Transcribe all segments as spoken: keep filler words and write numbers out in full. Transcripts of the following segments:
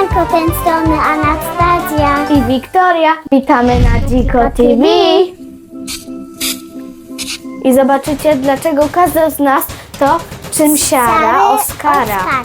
Siemanko, ten strony Anastazja i Wiktoria. Witamy na Dziko T V. I zobaczycie, dlaczego każdy z nas to czymsiara Oskara. Oskara.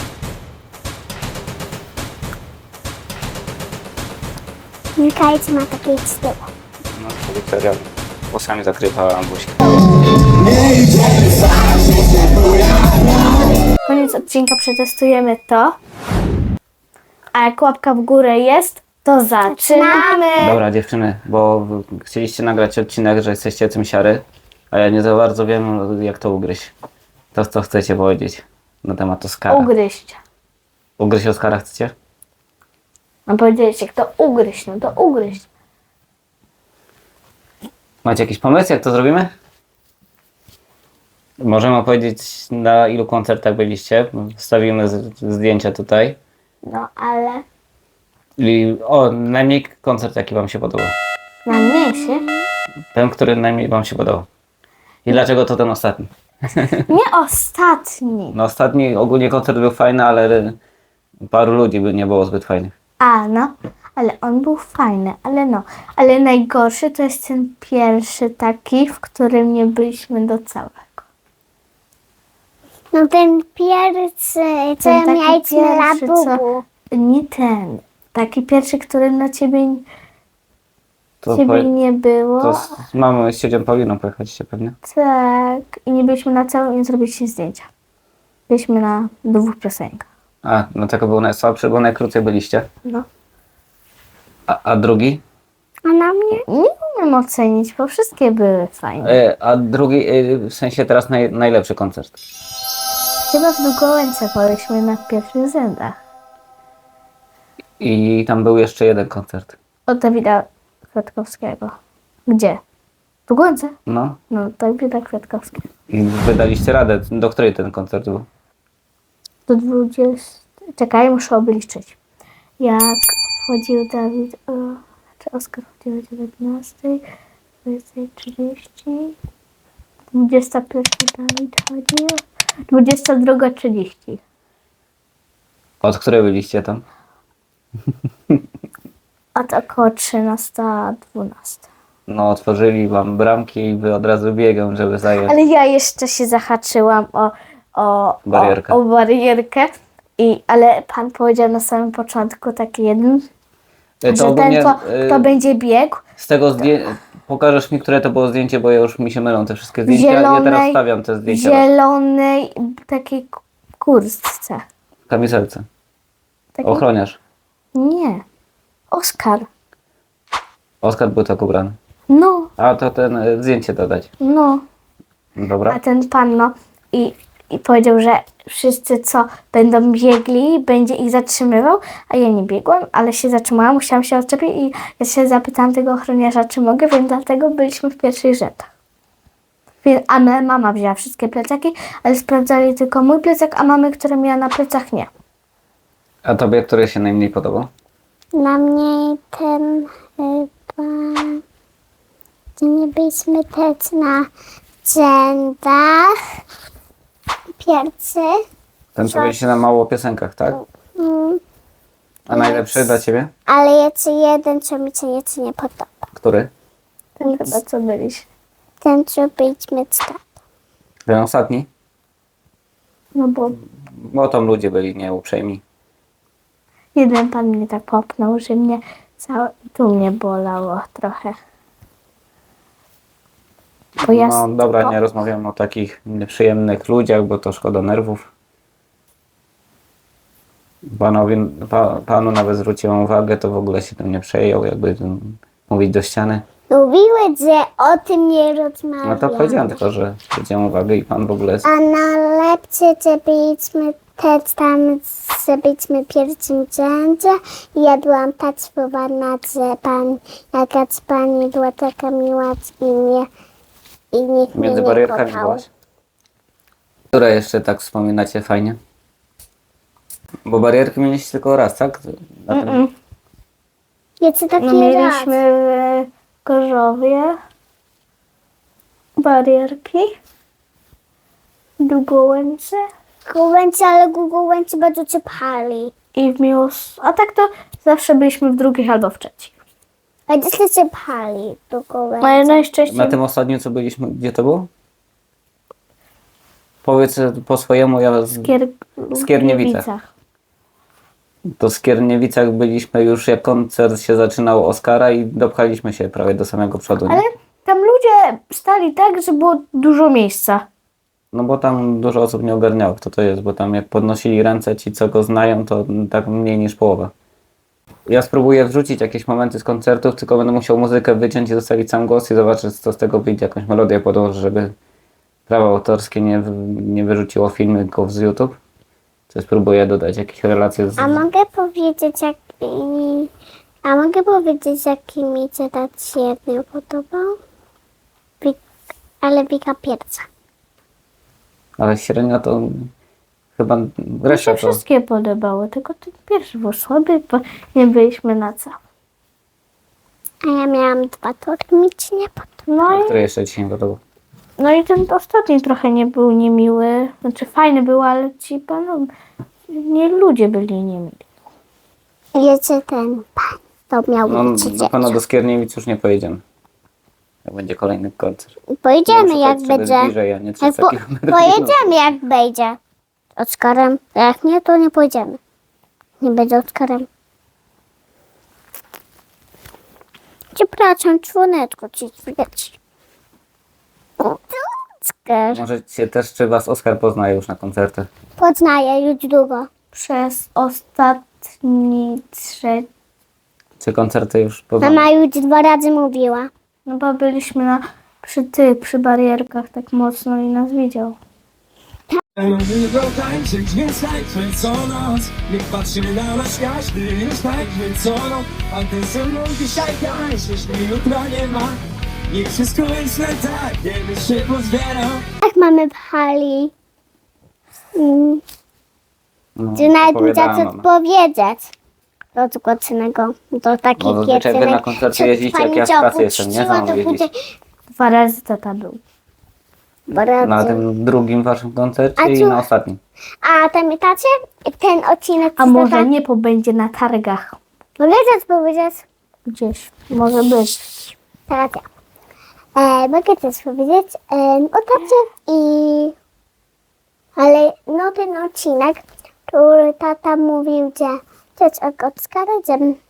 Mikajcie ma takie z tyłu. No to Wiktoria włosami zakrywa buźkę. Koniec odcinka przetestujemy to. A jak łapka w górę jest, to zaczynamy. Dobra dziewczyny, bo chcieliście nagrać odcinek, że jesteście cymsiary, a ja nie za bardzo wiem, jak to ugryźć. To co chcecie powiedzieć na temat Oskara? Ugryźć. Ugryźć Oskara chcecie? Mam powiedzieć, jak to ugryźć, no to ugryźć. Macie jakiś pomysł, jak to zrobimy? Możemy opowiedzieć, na ilu koncertach byliście. Wstawimy z- zdjęcia tutaj. No ale I, o, najmniej koncert, jaki wam się podobał. na mnie się Ten, który najmniej wam się podobał. I dlaczego to ten ostatni? nie ostatni. No ostatni ogólnie koncert był fajny, ale paru ludzi by nie było zbyt fajnych. A no, ale on był fajny, ale no. Ale najgorszy to jest ten pierwszy taki, w którym nie byliśmy do całego. No ten pierwszy, co Ten taki mieliśmy na pierwszy, co- bubu. Nie ten. Taki pierwszy, który na ciebie, To, ciebie powie- nie było. to z z mamą i z ciocią Pauliną pojechaliście pewnie. Tak. I nie byliśmy na całym i nie zrobiliśmy zdjęcia. Byliśmy na dwóch piosenkach. A, no tego był najsłabszy, bo najkrócej byliście. No. A, a drugi? A na mnie? Nie umiem ocenić, bo wszystkie były fajne. E, a drugi, e, w sensie teraz naj, najlepszy koncert. Chyba w Długołęce byliśmy na pierwszych rzędach. I tam był jeszcze jeden koncert. Od Dawida Kwiatkowskiego. Gdzie? W Długołęce? No. No, Dawida Kwiatkowskiego. I wydaliście radę. Do której ten koncert był? Do dwudziestego. Czekaj, muszę obliczyć. Jak wchodził Dawid. O, czy Oskar wchodził o dziewiętnastej, dwudziestej trzydzieści. dwudziesta pierwsza Dawid chodził. dwudziesta druga trzydzieści. Od której byliście tam? Od około trzynasta dwunasta. No, otworzyli wam bramki i wy od razu biegam, żeby zająć. Ale ja jeszcze się zahaczyłam o, o, Barierkę. o, o barierkę. I, ale pan powiedział na samym początku taki jeden, E, że ten, ogólnie, kto, e, kto będzie biegł, Z tego zdjęcia. Pokażesz mi, które to było zdjęcie, bo ja już mi się mylą te wszystkie zdjęcia. Ja teraz zielonej, stawiam te w zdjęcia zielonej takiej k- kurtce. w kamizelce. Takiej? Ochroniarz. Nie. Oskar. Oskar był tak ubrany. No, A to ten e, zdjęcie dodać. no. Dobra. A ten pan, no. I, I powiedział, że wszyscy, co będą biegli, będzie ich zatrzymywał, a ja nie biegłam, ale się zatrzymałam, musiałam się odczepić i ja się zapytałam tego ochroniarza, czy mogę, więc dlatego byliśmy w pierwszych rzędach. Więc- A my, mama wzięła wszystkie plecaki, ale sprawdzali tylko mój plecak, a mamy, które miała na plecach, nie. A tobie, który się najmniej podobał? Na mnie ten chyba... Gdzie nie byliśmy też na rzędach. Pierwszy. Ten, co byliście na mało piosenkach, tak? Mm, A najlepszy dla ciebie? ale jeszcze jeden, co mi się nieco nie podoba. Który? Ten chyba co byliśmy. Ten, co byliśmy z tatą. Ten ostatni? No bo Bo tam ludzie byli nieuprzejmi. jeden pan mnie tak popnął, że mnie całe, tu mnie bolało trochę. Bo ja No dobra, sto- nie rozmawiam o takich nieprzyjemnych ludziach, bo to szkoda nerwów. Panowi, pa, panu nawet zwróciłem uwagę, to w ogóle się tym nie przejął, jakby tym mówić do ściany. Mówiły, że o tym nie rozmawiamy. No to powiedziałem tylko, że zwróciłem uwagę i pan w ogóle... A najlepsze, że byliśmy też tam, że byliśmy w pierwszym rzędzie i ja byłam tak spowolna, że pan, jakaś pani była taka miła i mnie i nikt mnie Między nie barierkami kochał. byłaś? Które jeszcze tak wspominacie fajnie? Bo barierki mieliście tylko raz, tak? Na tym... Mm-mm. Jeszcze taki No raz. mieliśmy w Gorzowie barierki, w Długołęce. Gołęci, ale gołęci bardzo cię pali. i w miłos... A tak to zawsze byliśmy w drugich albo w trzecich. A gdzie się pchali do koła? No i najczęściej... Na tym ostatnim, co byliśmy, gdzie to było? Powiedz po swojemu, ja z... Kier... w Skierniewicach. To w Skierniewicach byliśmy już, jak koncert się zaczynał Oskara i dopchaliśmy się prawie do samego przodu. Nie? Ale tam ludzie stali tak, że było dużo miejsca. No bo tam dużo osób nie ogarniało, kto to jest, bo tam jak podnosili ręce ci, co go znają, to tak mniej niż połowa. Ja spróbuję wrzucić jakieś momenty z koncertów, tylko będę musiał muzykę wyciąć i zostawić sam głos i zobaczyć, co z tego wyjdzie, jakąś melodię podłożę, żeby prawa autorskie nie, nie wyrzuciło filmy tylko z YouTube. To spróbuję dodać jakieś relacje z... A mogę powiedzieć, jak... A mogę powiedzieć, jaki mi się tak świetnie podobał? Wik... Ale Wika Pierca. Ale średnio to chyba Mi reszta się to... wszystkie podobały, tylko ten pierwszy był słaby, bo nie byliśmy na co. A ja miałam dwa, to mi ci nie podobał. No i, Który jeszcze ci nie podobał? no i ten ostatni trochę nie był niemiły. Znaczy fajny był, ale ci panu... Nie ludzie byli niemili. Wiecie, ten pan, to miał No być na pewno do Skierniewic już nie pojedziemy. Jak będzie kolejny koncert. Pojedziemy, Muszę jak tak sobie będzie. bliżej, a nie Jak trzysta po, kilometrów. pojedziemy, jak będzie. Oskarem. A jak nie, to nie pojedziemy. Nie będzie Oskarem. Przepraszam, członeczko ci widać. Oskar. Może cię też, czy was Oskar poznaje już na koncertach? Poznaję już długo. Przez ostatni trzeci... Czy koncerty już poznaje? Mama już dwa razy mówiła. No bo byliśmy na, przy tych, przy barierkach tak mocno i nas widział. Lubię tańczyć, więc tańczmy co noc. Niech patrzymy na nasz każdy, już tańczmy co noc. A ty ze mną dzisiaj tańcz, jeśli jutra nie ma. Niech wszystko jest na tak, jakby się pozbierał. Jak mamy w hali? Mm, No, Czy nawet nie opowiadała za co mama. powiedzieć. Do zgłoconego, do takiej No zazwyczaj wy na koncercie jeździcie, jak ja w pracy jestem, nie? Za mną jeździć. Dwa razy tata był. Na tym drugim waszym koncercie A i co- na ostatnim. A pamiętacie ten odcinek? A co może tata- nie, bo będzie na targach. Mogę coś powiedzieć? Gdzieś. Może być. Teraz ja. E, mogę coś powiedzieć e, o tacie i... Ale no ten odcinek, który tata mówił, że coś jak Oskara, że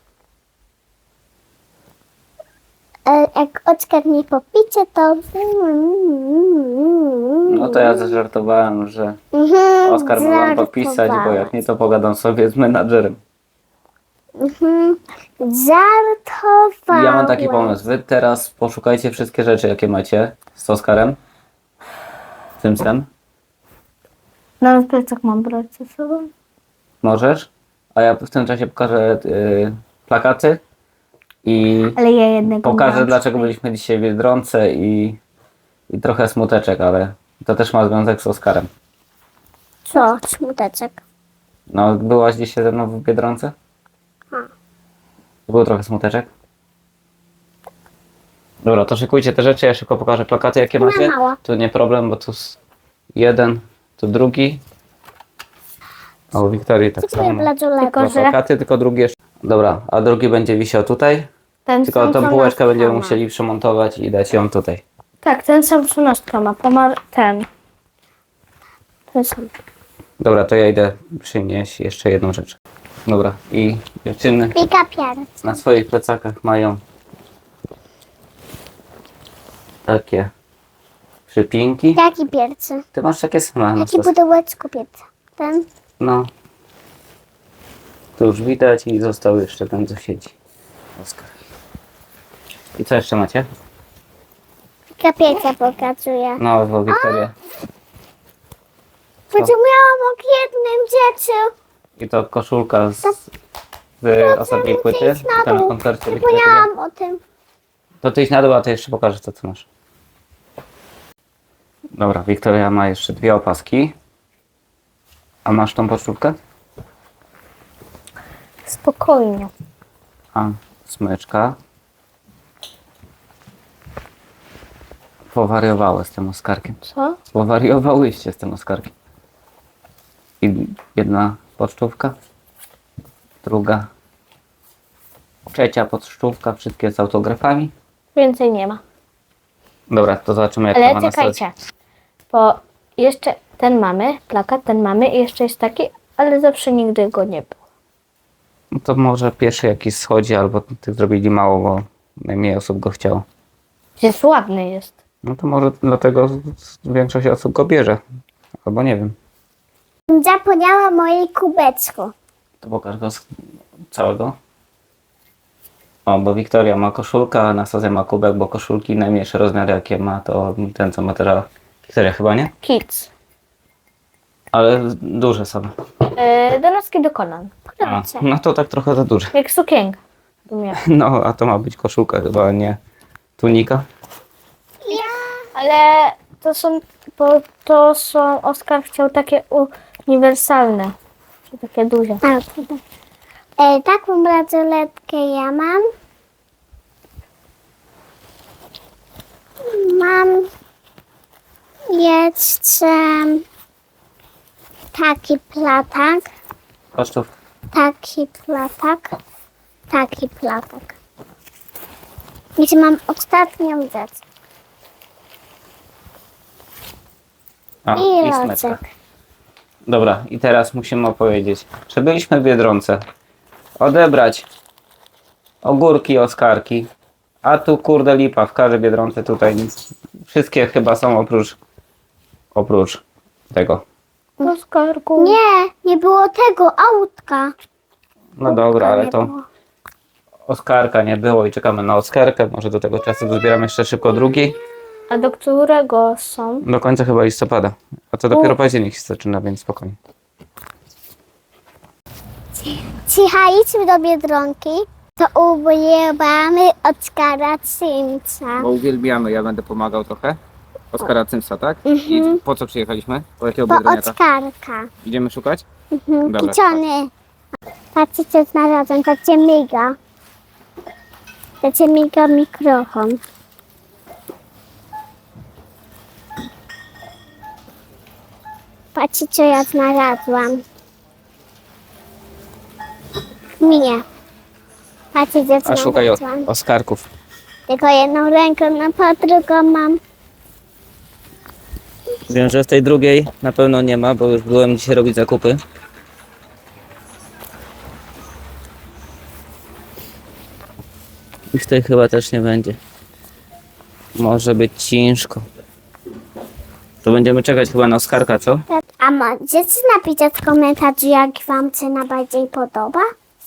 e, jak Oskar nie popicie, to... No to ja zażartowałem, że Mhm, Oskar ma wam popisać, bo jak nie, to pogadam sobie z menadżerem. Mhm, żartowałem. Ja mam taki pomysł. Wy teraz poszukajcie wszystkie rzeczy, jakie macie z Oskarem. Tym sem. Nawet plecak mam brać ze sobą. Możesz. A ja w tym czasie pokażę y, plakaty i Ale ja jednego pokażę, mam. dlaczego byliśmy dzisiaj w Biedronce i, i trochę smuteczek, ale to też ma związek z Oskarem. Co? Smuteczek. No, byłaś dzisiaj ze mną w Biedronce? A. Był trochę smuteczek? Dobra, to szykujcie te rzeczy, ja szybko pokażę plakaty, jakie No macie. mało. Tu nie problem, bo tu s- jeden, tu drugi. O, u Wiktorii tak Dziękuję, samo. Bladzulek. Tylko, Dwa że plakaty, tylko drugi jeszcze. Dobra, a drugi będzie wisiał tutaj. ten Tylko sam, tą co półeczkę Nastka będziemy ma. musieli przemontować i dać ją tutaj. Tak, ten sam co Nastka ma. Pomar... Ten. Ten sam. Dobra, to ja idę przynieść jeszcze jedną rzecz. Dobra, i dziewczyny Pika pierś. na swoich plecakach mają takie przypinki. Jaki piercy? Ty masz takie same na Jaki stos. pudełeczko piercy? Ten? No. Tu już widać i został jeszcze ten, co siedzi. Oskar. I co jeszcze macie? Pika piercia pokazuje. No, bo Wiktoria. Powiedziałam o jednym dziecku. I to koszulka z, z ostatniej płyty. Idź na Tam na dół. koncercie Wiktoria. Zapomniałam o tym. To ty idź na dół, a ty jeszcze pokażesz to, co masz. Dobra, Wiktoria ma jeszcze dwie opaski. A masz tą pocztówkę? Spokojnie. A, smyczka. Powariowały z tym Oskarkiem. Co? Powariowałyście z tym Oskarkiem. I jedna pocztówka. druga, trzecia podszczówka, wszystkie z autografami. Więcej nie ma. Dobra, to zobaczymy jak to Ale ma na stronie. czekajcie, bo jeszcze ten mamy, plakat ten mamy i jeszcze jest taki, ale zawsze nigdy go nie było. No to może pierwszy jakiś schodzi, albo tych zrobili mało, bo najmniej osób go chciało. Jest ładny jest. No to może dlatego większość osób go bierze. Albo nie wiem. Zapomniała mojej kubeczku. To pokaż go z całego. O, bo Wiktoria ma koszulkę, a Anastazja ma kubek, bo koszulki najmniejsze rozmiary jakie ma, to ten co ma teraz Wiktoria chyba, nie? Kids. Ale duże są. Yy, do noski do kolan. A, no to tak trochę za duże. Jak sukienka. bym miała. No, a to ma być koszulka chyba, nie tunika. Ale to są, bo to są, Oskar chciał takie uniwersalne. Czy takie duże. A, e, taką bransoletkę ja mam. Mam jeszcze taki platak, Kosztów. taki platak, taki platak. I mam ostatnią rzecz. A, I i smyczka. locek. Dobra, i teraz musimy opowiedzieć, że byliśmy w Biedronce odebrać ogórki, oskarki, a tu kurde lipa, w każdej Biedronce tutaj nic. Wszystkie chyba są oprócz oprócz tego. Oskarku. Nie, nie było tego autka. No dobra, ale Nie to było. oskarka nie było i czekamy na oskarkę. Może do tego czasu dozbieramy jeszcze szybko drugi. A do którego są? Do końca chyba listopada. A to dopiero październik się zaczyna, więc spokojnie. Przyjechaliśmy do Biedronki, to ubieramy Oskara Simca. Bo uwielbiamy, ja będę pomagał trochę. Oskara Cymsa, tak? I po co przyjechaliśmy? Po jakiego Bo biedroniaka? Oskarka. Idziemy szukać? Mhm. Dobra, Piczony. Patrzcie co znalazłem, to cię miga. To cię miga mikrofon. Patrzcie co ja znalazłam. Mnie. Patrzcie co A szukaj o, znalazłam. oskarków. Tylko jedną ręką, no po drugą mam. Wiem, że w tej drugiej na pewno nie ma, bo już byłem dzisiaj robić zakupy. I w tej chyba też nie będzie. Może być ciężko. To będziemy czekać chyba na oskarka, co? A możecie napisać w komentarzu, jak wam się najbardziej podoba?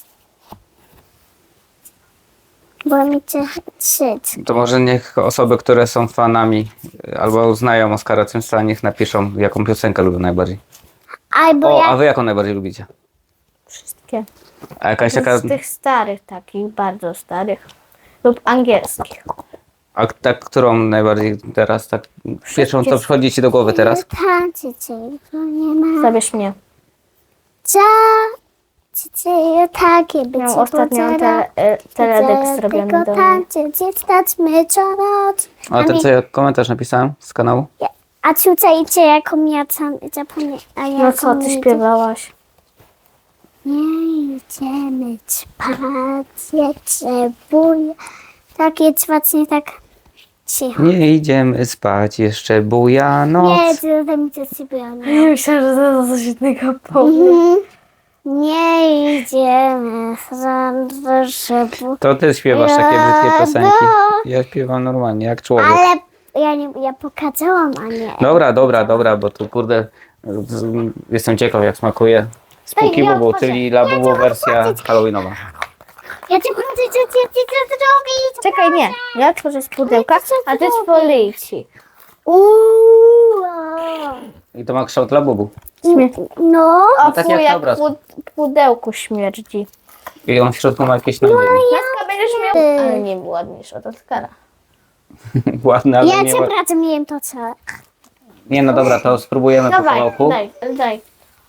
Bo mi się krzyć. To może niech osoby, które są fanami albo znają Oskara Cymsa, niech napiszą, jaką piosenkę lubią najbardziej. Albo O, a jak... wy jaką najbardziej lubicie? Wszystkie. A jakaś taka, Z tych starych takich, bardzo starych. Lub angielskich. a tak, którą najbardziej teraz, tak pierwszą co przychodzi ci do głowy teraz? Tańczycie, to nie ma. Zabierz mnie. Cia, cicie, takie być. Miałam ostatnio te, e, teledysk zrobiony do mnie. tańczyć, stać czarać. A ten co ja komentarz napisałem z kanału? A słuchajcie, jaką ja sam zapomniałam. No co ty śpiewałaś? Nie idziemy spać, jeszcze buja. Takie właśnie tak cicho. Nie idziemy spać, jeszcze buja Nie, noc. to mi coś sypialne. Myślałam, że to coś innego powiem. Mhm. Nie idziemy że bu... To ty śpiewasz takie brzydkie piosenki. Ja śpiewam normalnie, jak człowiek. Ale ja nie, ja pokazałam, a nie. Dobra, dobra, dobra, bo tu kurde, z- jestem ciekaw jak smakuje. Spooky ja Bubu, otworzę. czyli Labubu wersja halloweenowa. Ja ci chcę coś zrobić. Czekaj, nie. Ja otworzę z pudełka, a ty z policji. Uuu. I to ma kształt Labubu. No. O, tak fuj, jak na jak obrazku. pu- pudełku śmierdzi. I on w środku ma jakieś nogi. Laska będziesz miał... Ale nie był ładniejszy od Oskara. Ładne, ale Ja nie cię ła- pracę miałem to co. Nie no dobra, to spróbujemy po Dawaj, kawałku. daj, daj.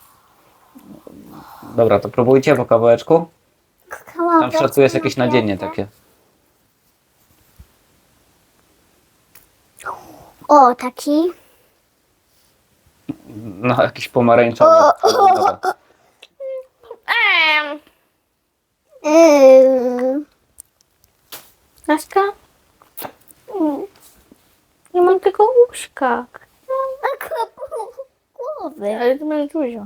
Dobra, to próbujcie po kawałeczku. Kawałek Tam w środku jest jakieś nadzienie takie. O, taki. No jakiś pomarańczowy. Dobra. Ehm, Yy, Naśka? Nie mam tylko łóżka. a głowy. Ale to będzie dużo.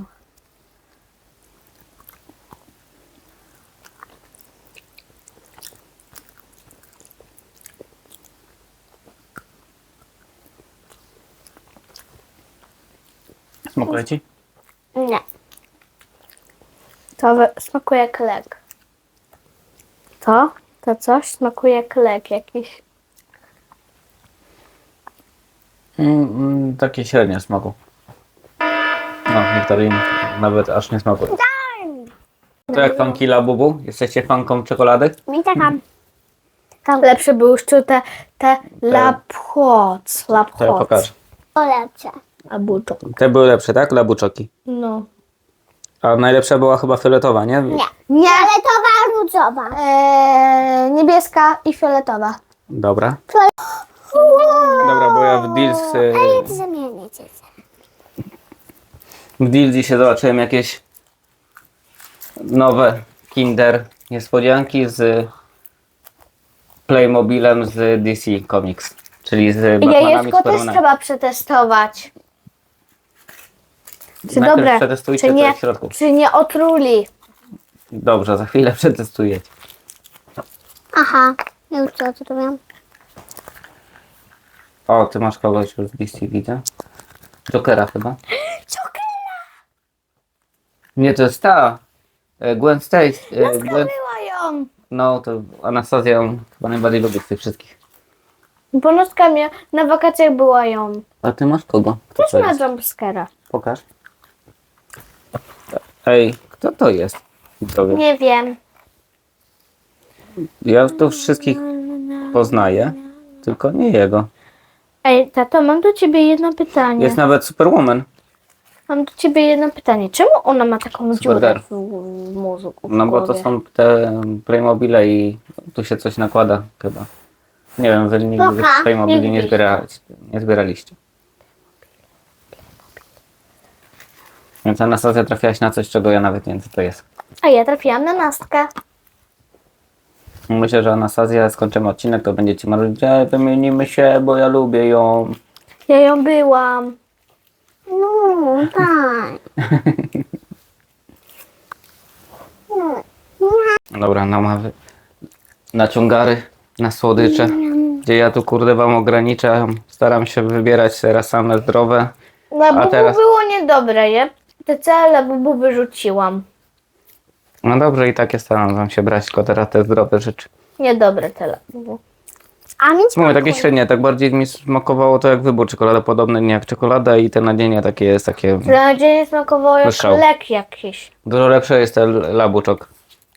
Smakuje ci? Nie. To we- smakuje jak lek. To? To coś smakuje jak lek jakiś. Mm, mm, takie średnie smaku. No, niektórych nawet aż nie smakuje. To jak fanki Labubu? Jesteście fanką czekolady? Mi taka... taka Lepsze były już te, te lapchoc. To ja Lapchoc. pokażę. lepsze. Abuczok. Te były lepsze, tak? Labuczoki. No. A najlepsza była chyba fioletowa, nie? Nie. Nie. Fioletowa, różowa. Eee, niebieska i fioletowa. Dobra. Dobra, bo ja w Deals, y, A ja to zamienię cię. w Deals dzisiaj zobaczyłem jakieś nowe Kinder niespodzianki z Playmobilem z D C Comics, czyli z Batmanami, Jajeczko też Supermanami. trzeba przetestować. Czy Najpierw dobre, przetestujcie, czy co nie, jest w środku. czy nie otruli. Dobrze, za chwilę przetestujecie. Aha, ja już to zrobiłam. O, ty masz kogoś już w D C, widzę. Jokera chyba. Jokera! Nie, to jest ta. e, Gwen Stacy. e, Gwen... Była ją. No, to Anastazja ją chyba najbardziej lubi z tych wszystkich. Bo Noska mia- na wakacjach była ją. A ty masz kogo? Kto Też to ma jest? jumpscare'a. Pokaż. Ej, kto to jest? Widzowie. Nie wiem. Ja tu wszystkich poznaję, tylko nie jego. Ej, tato, mam do ciebie jedno pytanie. Jest nawet Superwoman. Mam do ciebie jedno pytanie. Czemu ona ma taką dziurę Supergirl. w, w mózgu? W No bo to głowie? są te Playmobile i tu się coś nakłada chyba. Nie wiem, wy nigdy Poka, Playmobili nie, nigdy. zbieraliście, nie zbieraliście. Więc Anastazja trafiłaś na coś, czego ja nawet nie wiem, co to jest. A ja trafiłam na Nastkę. Myślę, że Anastazja, skończymy odcinek, to będziecie marzyć, że wymienimy się, bo ja lubię ją. Ja ją byłam. No, tak. Dobra, no mamy naciągary na słodycze, gdzie ja tu kurde wam ograniczam, staram się wybierać teraz same zdrowe. Labubu teraz- było niedobre, nie? Te całe labubu wyrzuciłam. No dobrze, i takie staram wam się brać, tylko teraz te zdrowe rzeczy. Niedobre te labubu. A mi Mówię, smakuje. takie średnie, tak bardziej mi smakowało to jak wybór czekolada, podobny nie jak czekolada i te nadzienie takie jest takie... Dla dzień smakowało jak Wyszał. lek jakiś. Dużo lepsze jest ten labuczok.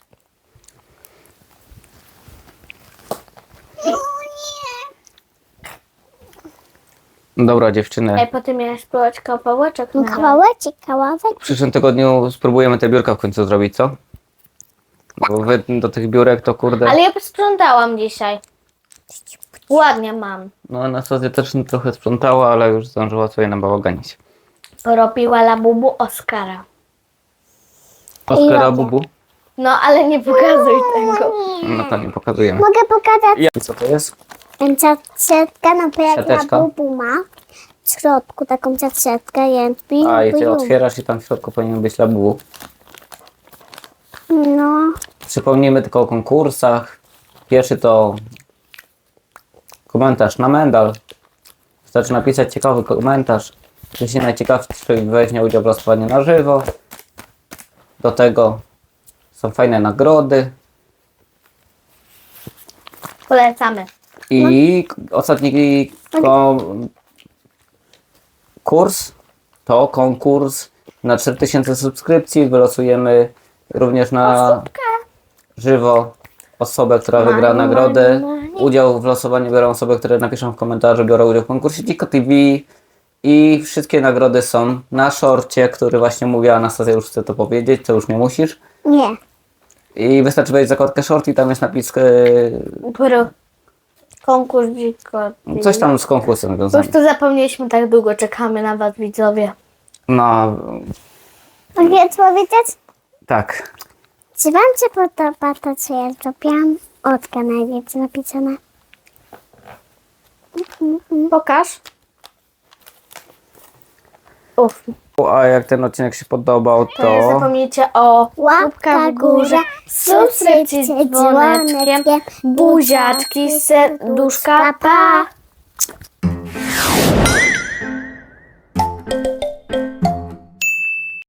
Dobra dziewczyny, Ej, potem miałeś spróbować kawałeczek. No, na kawałeczek, kawałek. w przyszłym tygodniu spróbujemy te biurka w końcu zrobić, co? Bo wy do tych biurek to kurde... Ale ja posprzątałam dzisiaj. Ładnie mam. No Anastazja też trochę sprzątała, ale już zdążyła sobie nabałaganić. Porobiła labubu Oskara. Oskara jadę. Bubu? No, ale nie pokazuj tego. No to nie pokazujemy. Mogę pokazać I co to jest? siatkę, no bo jak Siateczka? na bubu ma w środku taką siatkę, jędwi. A i ty otwierasz i tam w środku powinien być labubu. No, Przypomnijmy tylko o konkursach. Pierwszy to komentarz na medal. Wystarczy napisać ciekawy komentarz. Jeśli najciekawszy weźmie udział w losowaniu na żywo. Do tego są fajne nagrody. Polecamy. I k- ostatni kon- kurs to konkurs na cztery tysiące subskrypcji. Wylosujemy również na żywo osobę, która wygra Money, nagrodę. money, money. Udział w losowaniu biorą osoby, które napiszą w komentarzu, biorą udział w konkursie Dziko T V. I wszystkie nagrody są na szorcie, który właśnie mówiła Anastazja, już chcę to powiedzieć, to już nie musisz. nie. I wystarczy wejść w zakładkę short i tam jest napis, yy, Pro. Konkurs dziko. coś tam z konkursem Po związane. prostu zapomnieliśmy, tak długo czekamy na was, widzowie. No, Mogę powiedzieć? tak. Czy wam się podoba to, co ja zrobiłam? Otka najpierw napisana. Pokaż. Uff, A jak ten odcinek się podobał, to nie to zapomnijcie o łapkach w górze, subskrypcji z dzwoneczkiem, buziaczki, serduszka, pa!